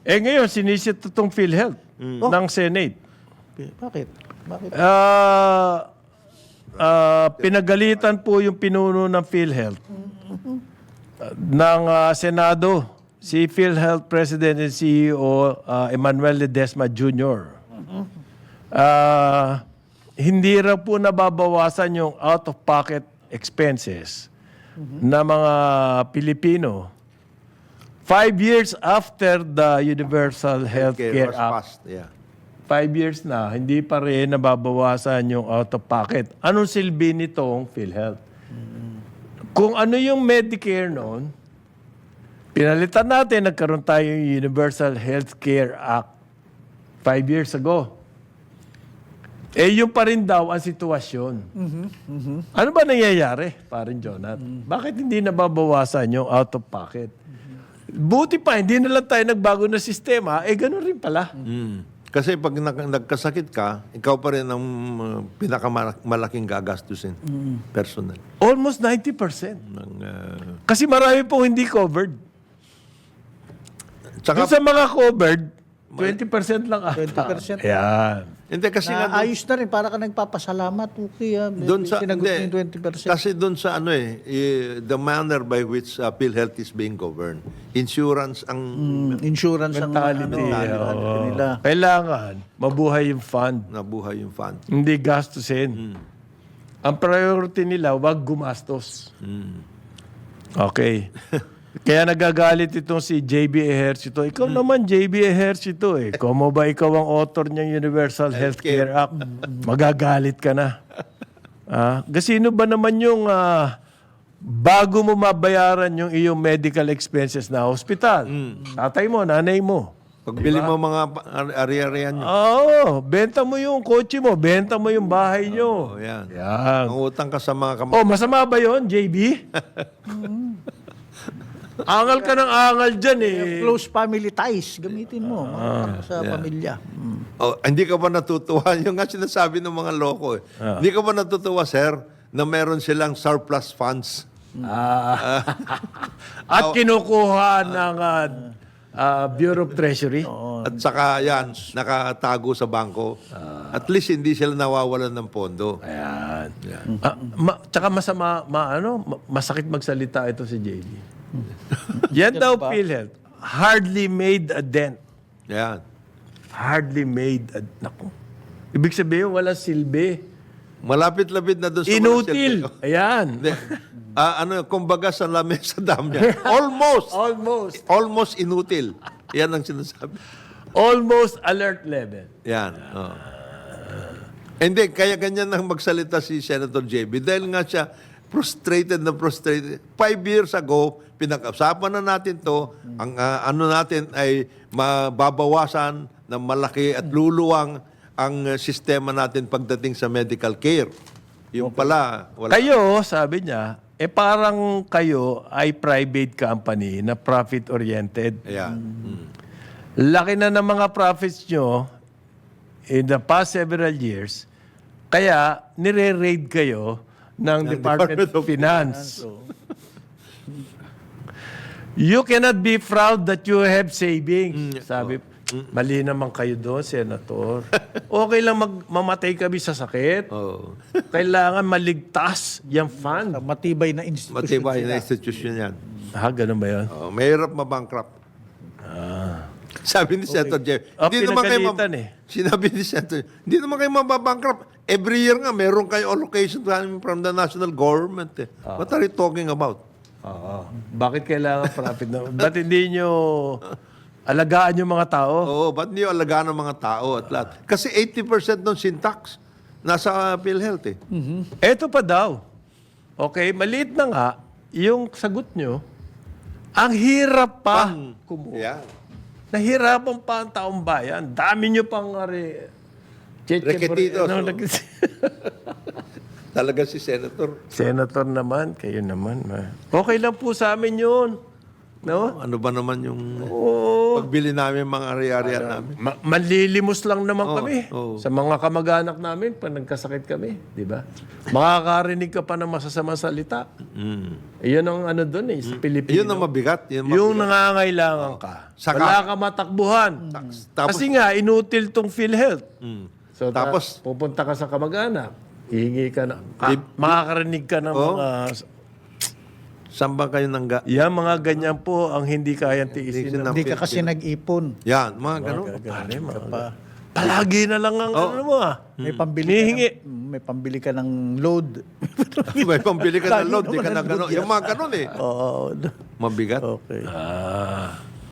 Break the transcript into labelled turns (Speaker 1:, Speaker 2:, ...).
Speaker 1: Ngayon, sinisit itong PhilHealth ng Senate.
Speaker 2: Bakit? Bakit?
Speaker 1: Pinagalitan po yung pinuno ng PhilHealth ng Senado, si PhilHealth President and CEO Emmanuel Ledesma Jr. Hindi raw po nababawasan yung out-of-pocket expenses na mga Pilipino 5 years after the Universal Healthcare
Speaker 3: was
Speaker 1: Act.
Speaker 3: passed. Yeah.
Speaker 1: 5 years na, hindi pa rin nababawasan yung out-of-pocket. Anong silbi nitong PhilHealth? Kung ano yung Medicare noon, pinalitan natin, nagkaroon tayo yung Universal Healthcare Act 5 years ago. Yung pa rin daw ang sitwasyon. Ano ba nangyayari, parin Jonat? Bakit hindi nababawasan yung out-of-pocket? Buti pa, hindi na lang tayo nagbago na sistema, ganun rin pala.
Speaker 3: Kasi pag nagkasakit ka, ikaw pa rin ang pinakamalaking gagastusin. Personal.
Speaker 1: Almost 90%. Kasi marami pong hindi covered.
Speaker 3: Tsaka,
Speaker 1: Doon sa mga covered, 20% lang ata.
Speaker 2: 20%.
Speaker 1: Ayan.
Speaker 3: hindi kasi nga
Speaker 2: Ayos na rin, para ka nagpapasalamat. Okay,
Speaker 3: doon sa
Speaker 2: sinagot
Speaker 3: hindi,
Speaker 2: mo yung 20%.
Speaker 3: kasi doon sa the manner by which PhilHealth is being governed, insurance ang
Speaker 2: Insurance ang
Speaker 1: Mentality.
Speaker 2: nila.
Speaker 1: Kailangan mabuhay yung fund.
Speaker 3: nabuhay yung fund.
Speaker 1: Hindi gastusin. Ang priority nila, wag gumastos. Okay. Kaya nagagalit itong si JB Ejercito. Ikaw naman, JB Ejercito eh. Como ba ikaw ang author niyang Universal Healthcare Act? Magagalit ka na. Sino ba naman yung bago mo mabayaran yung iyong medical expenses na hospital? Tatay mo, nanay mo.
Speaker 3: Pagbili mo mga ari-arian nyo.
Speaker 1: Oo, benta mo yung kotse mo, benta mo yung bahay nyo.
Speaker 3: Yan.
Speaker 1: Yan.
Speaker 3: Ang utang ka sa mga
Speaker 1: Masama ba yun, JB? Angal ka ng angal dyan eh.
Speaker 2: Close family ties, gamitin mo sa pamilya.
Speaker 3: Hindi ka ba natutuwa? Yung nga sinasabi ng mga loko eh. Hindi ka ba natutuwa, sir, na meron silang surplus funds?
Speaker 1: At kinukuha ng Bureau of Treasury.
Speaker 3: At saka yan, nakatago sa bangko. At least hindi sila nawawalan ng pondo.
Speaker 1: Ayan. Tsaka masakit magsalita ito si JB. Yan daw, PhilHealth, hardly made a dent.
Speaker 3: Yan.
Speaker 1: Hardly made a... Naku. Ibig sabihin, wala silbi.
Speaker 3: Malapit-lapit na doon sa
Speaker 1: Inutil. Ayan.
Speaker 3: Kumbaga sa lamesa dam yan. Almost. Almost inutil. Yan ang sinasabi.
Speaker 1: Almost alert level.
Speaker 3: Yan. Hindi, kaya ganyan nang magsalita si Senator JB dahil nga siya frustrated. 5 years ago, pinag-usapan na natin to. Ang natin ay mababawasan ng malaki at luluwang ang sistema natin pagdating sa medical care. Yung pala, wala.
Speaker 1: Kayo, sabi niya, parang kayo ay private company na profit-oriented.
Speaker 3: Ayan.
Speaker 1: Laki na ng mga profits nyo in the past several years, kaya nire-raid kayo ng Department of Finance. You cannot be proud that you have savings. Sabi, mali naman kayo doon, Senator. Okay lang mamatay kami sa sakit. Kailangan maligtas yung fund.
Speaker 2: Matibay na institution.
Speaker 3: Matibay na institution yan.
Speaker 1: Ganun ba yun?
Speaker 3: Mahirap mabankrupt. Sabi ni Senator Jeff, sinabi ni Senator, hindi naman kayo mababankrupt. Every year nga, meron kayo allocation from the national government. What are you talking about?
Speaker 1: Bakit kailangan profit na? Ba't hindi nyo alagaan yung mga tao?
Speaker 3: Ba't hindi alagaan ng mga tao at lahat? Kasi 80% ng syntax nasa PhilHealth eh.
Speaker 1: Eto pa daw. Okay, maliit na nga, yung sagot nyo, ang hirap pa kumuha.
Speaker 3: Yeah.
Speaker 1: Nahirapan pa ang taong bayan. Dami nyo pang
Speaker 3: Reketitos. Talaga si Senator.
Speaker 1: Senator naman, kayo naman. Okay lang po sa amin yun. No?
Speaker 3: Ano ba naman yung
Speaker 1: Oo.
Speaker 3: pagbili namin mga ari-arian namin?
Speaker 1: Manlilimos lang naman kami
Speaker 3: oo.
Speaker 1: sa mga kamag-anak namin pag nagkasakit kami, di ba? Makakarinig ka pa ng masasamang salita. Iyon ang ano doon sa Pilipino.
Speaker 3: Yun ang mabigat.
Speaker 1: Yung nangangailangan ka.
Speaker 3: Saka-
Speaker 1: Wala ka matakbuhan.
Speaker 3: Tapos,
Speaker 1: Kasi nga, inutil tong PhilHealth. So,
Speaker 3: Tapos-
Speaker 1: pupunta ka sa kamag-anak, hihingi ka na, makakarinig ka ng mga,
Speaker 3: saan ba kayo nangga?
Speaker 1: yan mga ganyan po ang hindi kayang tiisin.
Speaker 3: ng
Speaker 2: Hindi ka kasi nag-ipon.
Speaker 3: Yan, mga ganun.
Speaker 1: Palagi na lang ang ano mo
Speaker 2: May pambili
Speaker 1: Hinihingi.
Speaker 2: ka may pambili ka ng load.
Speaker 3: May pambili ka ng load, di ka na ganun. Yung mga ganun eh.
Speaker 2: Oo.
Speaker 3: Mabigat.
Speaker 2: Okay.
Speaker 1: Ah.